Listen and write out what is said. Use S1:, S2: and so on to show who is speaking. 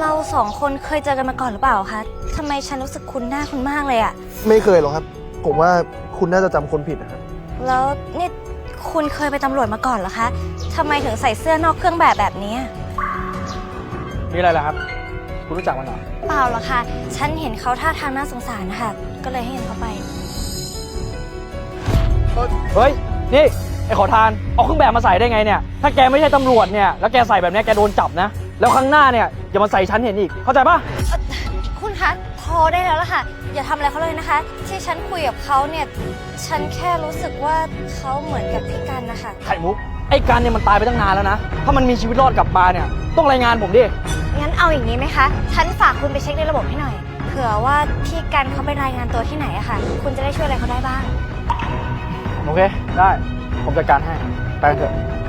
S1: เราสองคนเคยเจอกันมาก่อนหรือเปล่าคะทำไมฉันรู้สึกคุ้นหน้าคุณมากเลยอะ
S2: ไม่เคยหรอกครับ ผมว่าคุณน่าจะจำคนผิดนะครับ
S1: แล้วนี่คุณเคยไปนตำรวจมาก่อนเหรอคะทำไมถึงใส่เสื้อนอกเครื่องแบบนี้
S3: มีอะไรล่ะครับ คุณรู้จักมันเหรอ
S1: เปล่าหรอกค่ะฉันเห็นเขาท่าทางน่าสงสารนะคะก็เลยให้เห็นเขาไป
S3: เฮ้ย นี่ไอ้ขอทาน เอาเครื่องแบบมาใส่ได้ไงเนี่ย ถ้าแกไม่ใช่ตำรวจเนี่ย แล้วแกใส่แบบนี้แกโดนจับนะ แล้วครั้งหน้าเนี่ยอย่ามาใส่ฉันเห็นอีก เข้าใจปะ
S1: คุณคะพอได้แล้วล่ะค่ะอย่าทำอะไรเขาเลยนะคะ ที่ฉันคุยกับเขาเนี่ยฉันแค่รู้สึกว่าเขาเหมือนกับพี่กันนะคะ
S3: ไข่มุก ไอ้กันเนี่ยมันตายไปตั้งนานแล้วนะ ถ้ามันมีชีวิตรอดกลับมาเนี่ย ต้องรายงานผมดิ
S1: งั้นเอาอย่างนี้ไหมคะฉันฝากคุณไปเช็คในระบบให้หน่อยเผื่อว่าพี่กันเขาไปรายงานตัวที่ไหนอะค่ะ คุณจะได้ช่วยอะไรเขาได้บ้าง
S3: โอเค ได้ ผมจัดการให้ ไปกันเถอะ